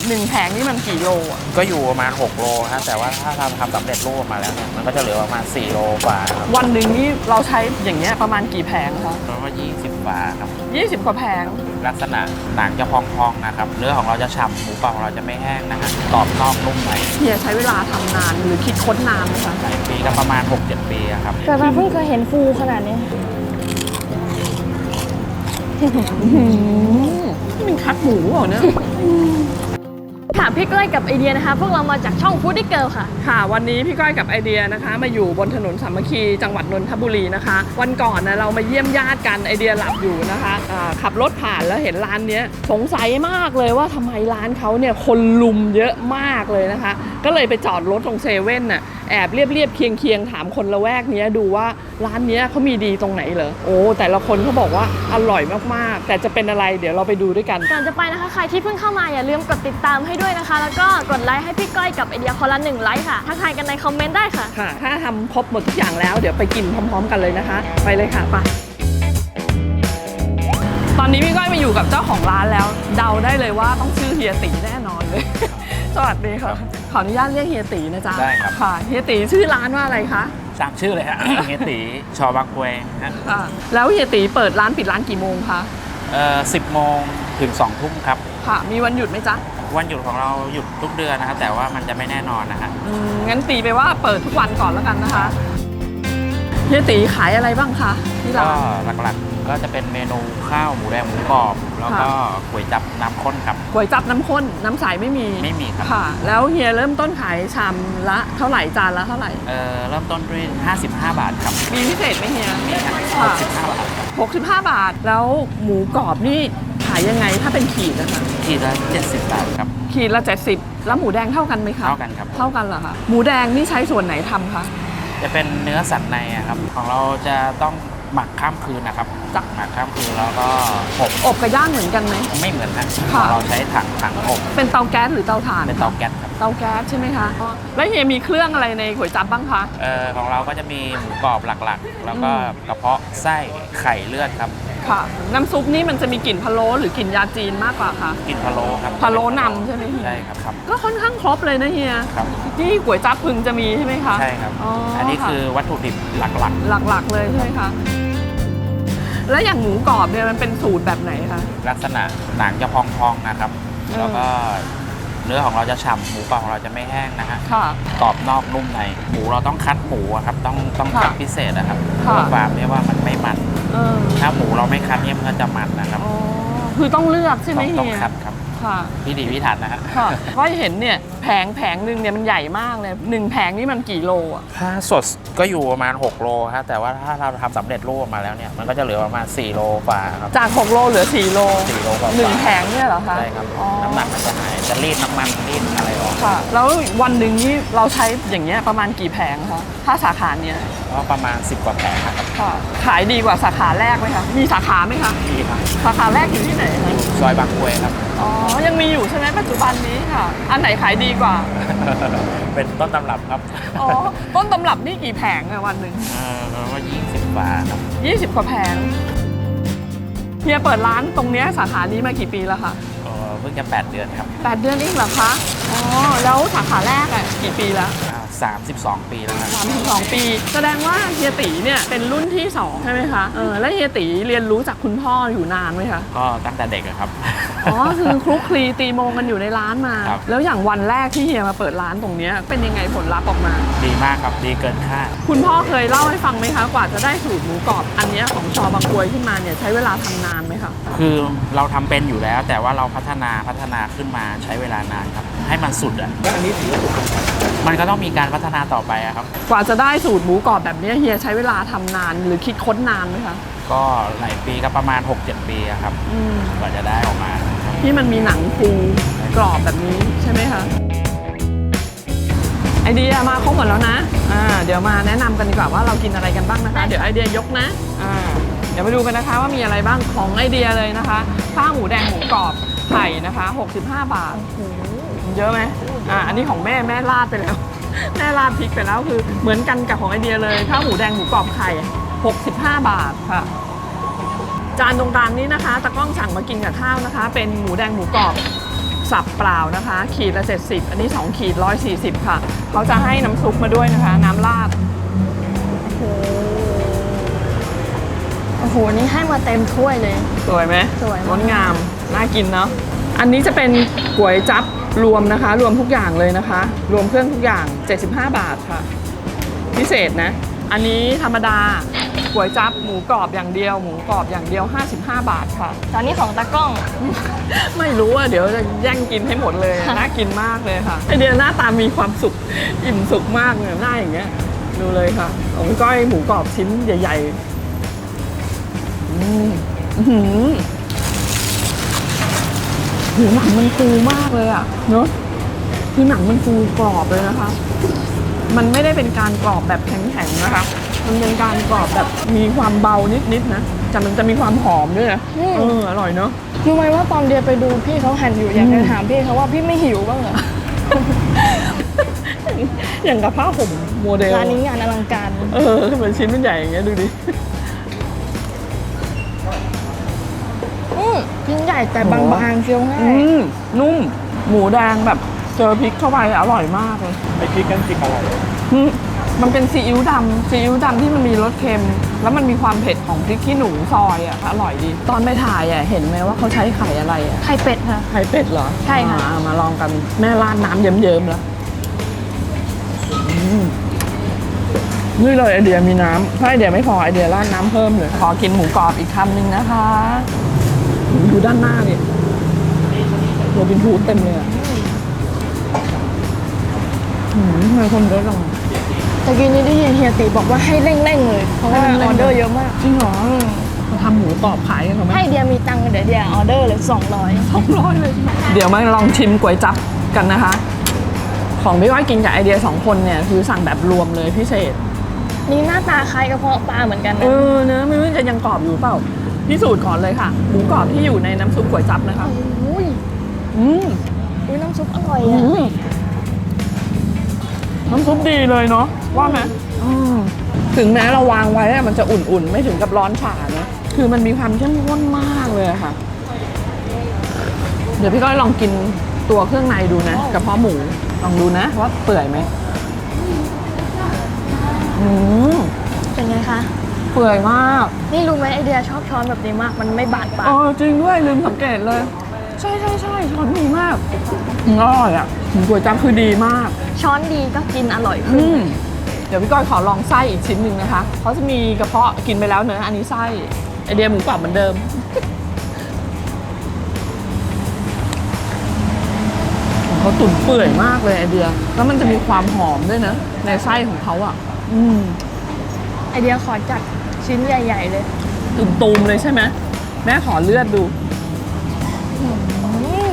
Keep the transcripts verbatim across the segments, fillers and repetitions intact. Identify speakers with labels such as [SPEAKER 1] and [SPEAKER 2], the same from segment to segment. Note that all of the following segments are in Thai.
[SPEAKER 1] หนึ่งแผงนี่มันกี่โลอ่ะ
[SPEAKER 2] ก็อยู่ประมาณหกโลฮะแต่ว่าถ้าทำทำสำเร็จรูปมาแล้วเนี่ยมันก็จะเหลือประมาณสี่โลกว่าครับ
[SPEAKER 1] วันหนึ่งนี่เราใช้อย่างเงี้ยประมาณกี่แผงคะ
[SPEAKER 2] ประมาณยี่สิบฝาครับ
[SPEAKER 1] ยี่สิบกว่าแผง
[SPEAKER 2] ลักษณะหนังจะพองๆนะครับเนื้อของเราจะฉ่ำหมูกรอบของเราจะไม่แห้งนะฮะกรอบนอกนุ่มใน
[SPEAKER 1] เฮียใช้เวลาทำนานหรือคิดค้นนานไหมคะ
[SPEAKER 2] หลายปีก็ประมาณ หกเจ็ด ปีครับ
[SPEAKER 3] แต่มาเพิ่งเคยเห็นฟูขนาดนี้
[SPEAKER 1] นี่มันคัดหมูเหรอเนี่ย
[SPEAKER 3] ค่ะพี่ก้อยกับไอเดียนะคะพวกเรามาจากช่อง Foodie Girl ค่ะ
[SPEAKER 1] ค่ะวันนี้พี่ก้อยกับไอเดียนะคะมาอยู่บนถนนสามัคคีจังหวัดนนทบุรีนะคะวันก่อนนะเรามาเยี่ยมญาติกันไอเดียหลับอยู่นะคะขับรถผ่านแล้วเห็นร้านนี้สงสัยมากเลยว่าทำไมร้านเขาเนี่ยคนลุมเยอะมากเลยนะคะก็เลยไปจอดรถตรงเซเว่นน่ะแอบเรียบเรียบเคียงเคียงถามคนละแวกนี้ดูว่าร้านนี้เขามีดีตรงไหนเหรอโอ้แต่ละคนเขาบอกว่าอร่อยมากๆแต่จะเป็นอะไรเดี๋ยวเราไปดูด้วยกัน
[SPEAKER 3] ก่อนจะไปนะคะใครที่เพิ่งเข้ามาอย่าลืมกดติดตามให้ด้วยนะคะแล้วก็กดไลค์ให้พี่ก้อยกับไอเดียคนละหนึ่งไลค์ค่ะทักทายกันในคอมเมนต์ได้ค่ะ
[SPEAKER 1] ค่ะถ้าทำครบหมดทุกอย่างแล้วเดี๋ยวไปกินพร้อมๆกันเลยนะคะไปเลยค่ะไปตอนนี้พี่ก้อยมาอยู่กับเจ้าของร้านแล้วเดาได้เลยว่าต้องชื่อเฮียตีแน่นอนเลยสวัสดีค่ะขออนุญาตเรียกเฮียตีนะจ๊ะ
[SPEAKER 2] ได้ครับ
[SPEAKER 1] ค่ะเฮียตีชื่อร้านว่าอะไรคะ
[SPEAKER 2] ตามชื่อเลยฮะ เฮียตีชอบางกวยฮะ
[SPEAKER 1] ค่ะแล้วเฮียตีเปิดร้านปิดร้านกี่โมงคะ
[SPEAKER 2] เอ่อสิบโมงถึงสองทุ่มครับ
[SPEAKER 1] ค่ะมีวันหยุดไหมจ๊ะ
[SPEAKER 2] วันหยุดของเราหยุดทุกเดือนนะครับแต่ว่ามันจะไม่แน่นอนนะฮะ
[SPEAKER 1] อืมงั้นตีไปว่าเปิดทุกวันก่อนแล้วกันนะคะเฮียตีขายอะไรบ้างคะที่ร้าน
[SPEAKER 2] ก็หลักๆก็จะเป็นเมนูข้าวหมูแดงหมูกรอบแล้วก็ก๋วยจั๊บน้ำข้นครับ
[SPEAKER 1] ก๋วยจั๊บน้ำข้นน้ำใสไม่มี
[SPEAKER 2] ไม่มีครับ
[SPEAKER 1] ค่ะแล้วเฮียเริ่มต้นขายชามละเท่าไหร่จานละเท่าไหร่
[SPEAKER 2] เอ่อเริ่มต้นด้วยห้าสิบห้าบาทครับ
[SPEAKER 1] มีพิเศษไหมเฮีย
[SPEAKER 2] มีครับหกสิบห้าบาท
[SPEAKER 1] หกสิบห้าบาทแล้วหมูกรอบนี่ขายยังไงถ้าเป็นขีดนะคะ
[SPEAKER 2] ขีดละเจ็ดสิบบาทครับ
[SPEAKER 1] ขีดละเจ็ดสิบแล้วหมูแดงเท่ากันไหมคะ
[SPEAKER 2] เท่ากันครับ
[SPEAKER 1] เท่ากันเหรอคะหมูแดงนี่ใช้ส่วนไหนทำคะ
[SPEAKER 2] จะเป็นเนื้อสัตว์ในครับของเราจะต้องหมักข้ามคืนนะครับ
[SPEAKER 1] จัก
[SPEAKER 2] หมักข้ามคืนแล้วก็อบ
[SPEAKER 1] อบกับย่างเหมือนกันไหม
[SPEAKER 2] ไม่เหมือนนะของเราใช้ถังถังอบ
[SPEAKER 1] เป็นเตาแก๊สหรือเตาถ่าน
[SPEAKER 2] เป็นเตาแก๊สครับ
[SPEAKER 1] เตาแก๊สใช่ไหมคะแล้วเฮียมีเครื่องอะไรในก๋วยจั๊บบ้างคะ
[SPEAKER 2] เอ่อของเราก็จะมีหมูกรอบหลักๆแล้วก็กระเพาะไส้ไข่เลือดครับ
[SPEAKER 1] ค่ะน้ำซุปนี่มันจะมีกลิ่นพะโล้หรือกลิ่นยาจีนมากกว่าคะ
[SPEAKER 2] กลิ่นพะโล้ครับ
[SPEAKER 1] พะโล้นำใช่ไหม
[SPEAKER 2] ใช่ครับครับ
[SPEAKER 1] ก็ค่อนข้างครบเลยนะเฮีย
[SPEAKER 2] ครับ
[SPEAKER 1] ที่ก๋วยจั๊บพึงจะมีใช่ไหมคะ
[SPEAKER 2] ใช่ครับอันนี้คือวัตถุดิบหลัก
[SPEAKER 1] ๆหลักๆเลยใช่ไหมคะแล้วอย่างหมูกรอบเนี่ยมันเป็นสูตรแบบไหนคะ
[SPEAKER 2] ลักษณะหนังจะพองๆนะครับแล้วก็เนื้อของเราจะฉ่ำหมูกรอบของเราจะไม่แห้งนะฮะกรอบนอกนุ่มในหมูเราต้องคัดหมูครับต้องต้องคัดพิเศษนะครับเพื่อความที่ว่ามันไม่มันถ้าหมูเราไม่คัดเนี่ยมันก็จะมันนะครับ
[SPEAKER 1] คือต้องเลือกใช่ไหม
[SPEAKER 2] ต้องคัดครับพี่ดีพี่ถันนะฮะ
[SPEAKER 1] ก็เห็นเนี่ยแผงแผงหนึ่งเนี่ยมันใหญ่มากเลยหนึ่งแผงนี่มันกี่โลอ่ะ
[SPEAKER 2] ถ้าสดก็อยู่ประมาณหกโลฮะแต่ว่าถ้าเราทำสำเร็จรูปมาแล้วเนี่ยมันก็จะเหลือประมาณสี่โลกว่าครับ
[SPEAKER 1] จากหกโลเหลือสี่โล
[SPEAKER 2] สี่โลกว่า
[SPEAKER 1] หนึ่งแผงเนี่ยเหรอคะ
[SPEAKER 2] ใช่ครับน้ำหนักมันจะหายจะรีดน้ำมันรีดอะไรออก
[SPEAKER 1] ค่ะแล้ววันหนึ่งนี่เราใช้อย่างเงี้ยประมาณกี่แผงคะถ้าสาขาเนี้ย
[SPEAKER 2] ก็ประมาณสิบกว่าแผงครับ
[SPEAKER 1] ค่ะขายดีกว่าสาขาแรกไหมคะมีสาขาไหมคะ
[SPEAKER 2] มีครับ
[SPEAKER 1] สาขาแรกอยู่ที่ไหนคะ
[SPEAKER 2] ซอยบางกรวยครับ
[SPEAKER 1] อ๋อยังมีอยู่ใช่ไหมปัจจุบันนี้ค่ะอันไหนขายดีกว่า
[SPEAKER 2] เป็นต้นตำรับครับ
[SPEAKER 1] อ๋อต้นตำรับนี่กี่แผงอะวันหนึ่ง
[SPEAKER 2] เออว่ายี่สิบฝาครับ
[SPEAKER 1] ยี่สิบกว่าแผงเฮียเปิดร้านตรงเนี้ยสาขานี้มากี่ปีแล้วคะ
[SPEAKER 2] อ๋อเพิ่งจะแปดเดือนครับ
[SPEAKER 1] แปดเดือนเองเหรอคะอ๋อแล้วสาขาแรกอะกี่ปีแล้ว
[SPEAKER 2] สามสิบสองปีแล้วครับ
[SPEAKER 1] สามสิบสองปีแสดงว่าเฮียตีเนี่ยเป็นรุ่นที่สองใช่ไหมคะเออแล้วเฮียตีเรียนรู้จากคุณพ่ออยู่นานไหมคะ
[SPEAKER 2] ก็ตั้งแต่เด็กครับ
[SPEAKER 1] อ๋อคือคลุกคลีตีโมงกันอยู่ในร้านมาแล้วอย่างวันแรกที่เฮียมาเปิดร้านตรงนี้เป็นยังไงผลลัพธ์ออกมา
[SPEAKER 2] ดีมากครับดีเกินคาด
[SPEAKER 1] คุณพ่อเคยเล่าให้ฟังไหมคะกว่าจะได้สูตรหมูกรอบอันนี้ของชอบางกรวยขึ้นมาเนี่ยใช้เวลาทำนานไหมคะ
[SPEAKER 2] คือเราทำเป็นอยู่แล้วแต่ว่าเราพัฒนาพัฒนาขึ้นมาใช้เวลานานครับให้มันสุดอ่ะอันนี้ถือว่ามันก็ต้องมีการพัฒนาต่อไปครับ
[SPEAKER 1] กว่าจะได้สูตรหมูกรอบแบบนี้เฮียใช้เวลาทำนานหรือคิดค้นนานไหมคะ
[SPEAKER 2] ก็หลายปีก็ประมาณ หกเจ็ด ปีครับกว่าจะได้ออกมา
[SPEAKER 1] ที่มันมีหนังฟูกรอบแบบนี้ใช่ไหมคะไอเดียมาครบหมดแล้วนะอ่าเดี๋ยวมาแนะนำกันดีกว่าว่าเรากินอะไรกันบ้างนะคะเดี๋ยวไอเดียยกนะอ่าเดี๋ยวมาดูกันนะคะว่ามีอะไรบ้างของไอเดียเลยนะคะข้าวหมูแดงหมูกรอบไข่นะคะหกสิบห้าบาทเยอะไหมอ่าอันนี้ของแม่แม่ราดไปแล้วแม่ราดพริกไปแล้วคือเหมือนกันกับของไอเดียเลยข้าวหมูแดงหมูกรอบไข่หกสิบห้าบาทค่ะจานตรงกลางนี้นะคะตะก้องสั่งมากินกับข้าวนะคะเป็นหมูแดงหมูกรอบสับเปล่านะคะ ขีดละเจ็ดสิบอันนี้สองขีดร้อยสี่สิบค่ะเขาจะให้น้ำซุปมาด้วยนะคะ น้ำราด
[SPEAKER 3] โอ้โหโอ้โหนี่ให้มาเต็มถ้วยเลย
[SPEAKER 1] สวยไหม
[SPEAKER 3] สวยมาก
[SPEAKER 1] งดงามน่ากินเนาะอันนี้จะเป็นก๋วยจั๊บรวมนะคะ รวมทุกอย่างเลยนะคะ รวมเครื่องทุกอย่างเจ็ดสิบห้าบาทค่ะพิเศษนะอันนี้ธรรมดาก๋วยจั๊บหมูกรอบอย่างเดียวหมูกรอบอย่างเดียวห้าสิบห้าบาทค่ะ
[SPEAKER 3] ตอนนี้ของตากล้อง
[SPEAKER 1] ไม่รู้ว่าเดี๋ยวจะแย่งกินให้หมดเลย
[SPEAKER 3] ค่ะ
[SPEAKER 1] น่ากินมากเลยค่ะไอเดียหน้าตามีความสุขอิ่มสุขมากเลยหน้าอย่างเงี้ยดูเลยค่ะของพี่ก้อยหมูกรอบชิ้นใหญ่ๆอืมอื้อหือหูหนังมันฟูมากเลยอะเนอะคือหนังมันฟูกรอบเลยนะคะ มันไม่ได้เป็นการกรอบแบบแข็งๆนะคะ มันเป็นการกรอบแบบมีความเบานิดๆนะแต่มันจะมีความหอมด้วยนะเอออร่อยเนอะ
[SPEAKER 3] รู้ไหมว่าตอนเดียไปดูพี่เขาหั่นอยู่อยากจะถามพี่เขาว่าพี่ไม่หิวบ้างเหรอ
[SPEAKER 1] อย่างกับผ้าห่มโมเดล
[SPEAKER 3] ร้านนี้งานอลังการ
[SPEAKER 1] เออเหมือนชิ้นมันใหญ่อย่างเงี้ยดูดิ
[SPEAKER 3] อืมชิ้นใหญ่แต่บางๆเคี้ยวง่า
[SPEAKER 1] อื
[SPEAKER 3] ย
[SPEAKER 1] มนุ่มหมูแดงแบบเจอพริกเข้าไปอร่อยมากเลย
[SPEAKER 2] ไอพริกกันพริกอะไร
[SPEAKER 1] อืมมันเป็นซีอิ๊วดำซีอิ๊วดำที่มันมีรสเค็ม แล้วมันมีความเผ็ดของพริกขี้หนูซอยอ่ะอร่อยดี ตอนไปถ่ายอ่ะเห็นไหมว่าเขาใช้ไข่อะไรอ่ะ
[SPEAKER 3] ไข่เป็ดค่ะ
[SPEAKER 1] ไข่เป็ดเหรอ
[SPEAKER 3] ใช่ค่ะ
[SPEAKER 1] อ่ามาลองกันแม่ราดน้ำเยิ้มๆแล้วอืมนี่เลยไอเดียมีน้ำถ้าไอเดียไม่พอไอเดียราดน้ำเพิ่มเลยขอกินหมูกรอบอีกคำหนึ่งนะคะดูด้านหน้าดิโรบินฮูดเต็มเลยอ่ะหืมทำไมคนเยอะจัง
[SPEAKER 3] ตะกี้นี้ได้ยินเฮียตีบอกว่าให้เร่งๆเลย เพราะว่า
[SPEAKER 1] ให้เร่
[SPEAKER 3] อง
[SPEAKER 1] ๆ
[SPEAKER 3] อเดอร์เยอะมาก
[SPEAKER 1] จริงเหรอมาทำหมูกรอบขายกันเหรอไหม
[SPEAKER 3] ให้เดียมีตังค์เดี๋ยวเดียออเดอร์เลยสองร้อย
[SPEAKER 1] สองร้อยเลยเดี๋ยวมาลองชิมก๋วยจั๊บกันนะคะ ของพี่ก้อยกินกับไอเดียสองคนเนี่ยคือสั่งแบบรวมเลยพิเศษ
[SPEAKER 3] นี่หน้าตาคล้ายกระเพาะปลาเหมือนกัน
[SPEAKER 1] เอ
[SPEAKER 3] นะ
[SPEAKER 1] อเนอะไม่รู้จะยังกรอบอยู่เปล่าพิสูจน์ก่อนเลยค่ะ หมูกรอบที่อยู่ในน้ำซุปก๋วยจั๊บนะคะ
[SPEAKER 3] อุ้ย
[SPEAKER 1] อืม
[SPEAKER 3] อุ้ยน้ำซุปอร่อย
[SPEAKER 1] อื
[SPEAKER 3] อ่ะ
[SPEAKER 1] มน้ำซุปดีเลยเนาะว่าไหมอืมถึงแม้เราวางไว้อะมันจะอุ่นๆ ไม่ถึงกับร้อนฉ่านะคือมันมีความเข้มข้นมากเลยอะค่ะ เดี๋ยวพี่ก้อยลองกินตัวเครื่องในดูนะกระเพาะหมูลองดูนะว่าเปื่อยไหมอืม
[SPEAKER 3] เป็นไงคะ
[SPEAKER 1] เปื่อยมาก
[SPEAKER 3] นี่รู้ไหมไอเดียชอบช้อนแบบนี้มาก มันไม่บาดปาก
[SPEAKER 1] เออจริงด้วยลืมสังเกตเลย ใช่ใช่ใช่ช้อนดีมากอืมอร่อยอ่ะหมูก๋วยจั๊บคือดีมาก
[SPEAKER 3] ช้อนดีก็กินอร่อยขึ้
[SPEAKER 1] อื
[SPEAKER 3] น
[SPEAKER 1] มเดี๋ยวพี่ก้อยขอลองไส้อีกชิ้นหนึ่งนะคะเขาจะมีกระเพาะกินไปแล้วเนอะอันนี้ไส้ไอเดียหมูกรอบเหมือนเดิมเขาตุ๋นเปื่อยมากเลยไอเดียแล้วมันจะมีความหอมด้วยนะในไส้ของเขาอ่ะ อืม
[SPEAKER 3] ไอเดียขอจัดชิ้นใหญ่ๆเลย
[SPEAKER 1] ตุ่มตูมๆเลยใช่ไหมแม่ขอเลือดดู
[SPEAKER 3] อืม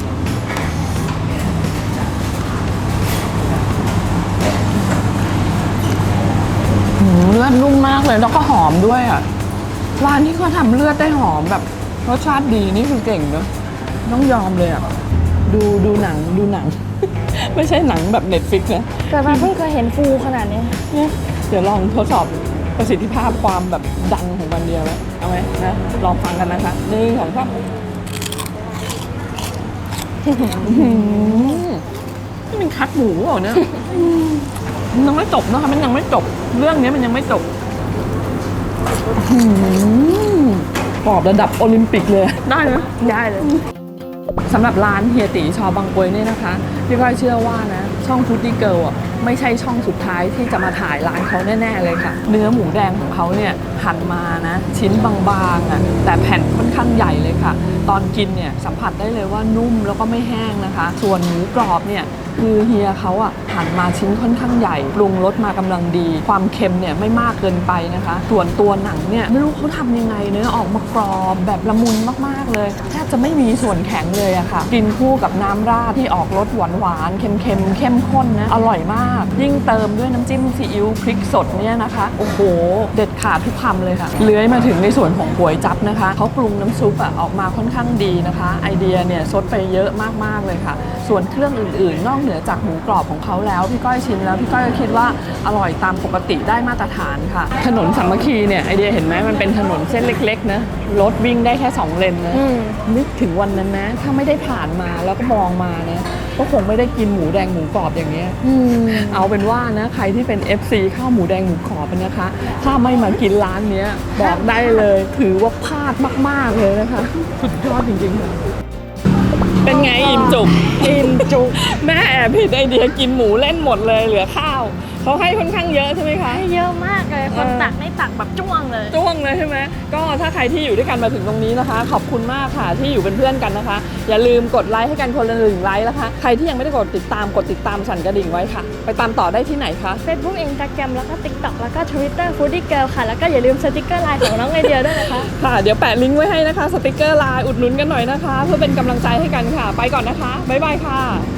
[SPEAKER 1] หืมเลือดนุ่มมากเลยแล้วก็หอมด้วยอ่ะร้านที่เขาทำเลือดได้หอมแบบรสชาติดีนี่คือเก่งเนอะต้องยอมเลยอ่ะดูดูหนังดูหนัง ไม่ใช่หนังแบบเน็ตฟิกนะ
[SPEAKER 3] เกิดมาเพิ่งเคยเห็นฟูขนาดนี้
[SPEAKER 1] เนี่ยเดี๋ยวลองทดสอบประสิทธิภาพความแบบดังของมันเดียวไหมเอาไหมนะลองฟังกันนะคะหนึ่งสองสามอื้อหือนี่มันคัดหมูเหรอเนี่ยมันยังไม่จบนะคะมันยังไม่จบเรื่องนี้มันยังไม่จบอื้อหือกรอบระดับโอลิมปิกเลยได้ไหม
[SPEAKER 3] ได้เลย
[SPEAKER 1] สำหรับร้านเฮียตีชอบางกรวยเนี่ยนะคะพี่ก้อยเชื่อว่านะช่องฟูดดี้เกิลอ่ะไม่ใช่ช่องสุดท้ายที่จะมาถ่ายร้านเขาแน่ๆเลยค่ะ เนื้อหมูแดงของเขาเนี่ยหั่นมานะชิ้นบางๆอ่ะแต่แผ่นค่อนข้างใหญ่เลยค่ะ ตอนกินเนี่ยสัมผัสได้เลยว่านุ่มแล้วก็ไม่แห้งนะคะ ส่วนหมูกรอบเนี่ยคือเฮียเขาอ่ะหั่นมาชิ้นค่อนข้างใหญ่ปรุงรสมากำลังดี ความเค็มเนี่ยไม่มากเกินไปนะคะ ส่วนตัวหนังเนี่ยไม่รู้เขาทำยังไงเนื้อออกมากรอบแบบละมุนมากๆเลยแทบจะไม่มีส่วนแข็งเลยอะค่ะกินคู่กับน้ำราดที่ออกรสหวานหวานๆเค็มๆเข้มข้นนะอร่อยมาก ยิ่งเติมด้วยน้ำจิ้มซีอิ๊วพริกสดเนี่ยนะคะโอ้โหเด็ดขาดทุกคำเลยค่ะเลื้อยมาถึงในส่วนของก๋วยจั๊บนะคะเขาปรุงน้ำซุปอะออกมาค่อนข้างดีนะคะ ไอเดียเนี่ยซดไปเยอะมากๆเลยค่ะ ส่วนเครื่องอื่นๆ นอกเหนือเหนือจากหมูกรอบของเขาแล้วพี่ก้อยชิมแล้วพี่ก้อยก็คิดว่าอร่อยตามปกติได้มาตรฐานค่ะถนนสามัคคีเนี่ยไอเดียเห็นไหมมันเป็นถนนเส้นเล็กๆนะรถวิ่งได้แค่สองเลนนะนึกถึงวันนั้นนะถ้าไม่ได้ผ่านมาแล้วก็มองมาเนี่ยก็คงไม่ได้กินหมูแดงหมูกรอบอย่างเงี้ยเอาเป็นว่านะใครที่เป็น เอฟ ซี ข้าวหมูแดงหมูกรอบนะคะถ้าไม่มากินร้านเนี้ยบอกได้เลยถือว่าพลาดมากๆเลยนะคะสุดยอดจริงๆค่ะเป็นไงอิ่มจุกอิ่มจุกแม่แอบผิดไอเดียกินหมูเล่นหมดเลยเหลือข้าวเขาให้ค่อนข้างเยอะใช่ไหมคะ
[SPEAKER 3] ให้เยอะมากเลยคนตักไม่ตักแบบจ้วงเลย
[SPEAKER 1] จ้วงเลยใช่ไหมก็ถ้าใครที่อยู่ด้วยกันมาถึงตรงนี้นะคะขอบคุณมากค่ะที่อยู่เป็นเพื่อนกันนะคะอย่าลืมกดไลค์ให้กันคนละหนึ่งไลค์นะคะใครที่ยังไม่ได้กดติดตามกดติดตามสั่นกระดิ่งไว้ค่ะไปตามต่อได้ที่ไหนคะ
[SPEAKER 3] Facebook Instagram แล้วก็ TikTok แล้วก็ Twitter Foodie Girl ค่ะแล้วก็อย่าลืมสติกเกอร์ไลน์ของน้องไอเดียด้วยนะคะ
[SPEAKER 1] ค่ะเดี๋ยวแปะลิงก์ไว้ให้นะคะสติกเกอร์ไลน์อุดหนุนกันหน่อยนะคะเพื่อเป็นกำลังใจให้กันค่ะไปก่อนนะคะบ๊ายบายค่ะ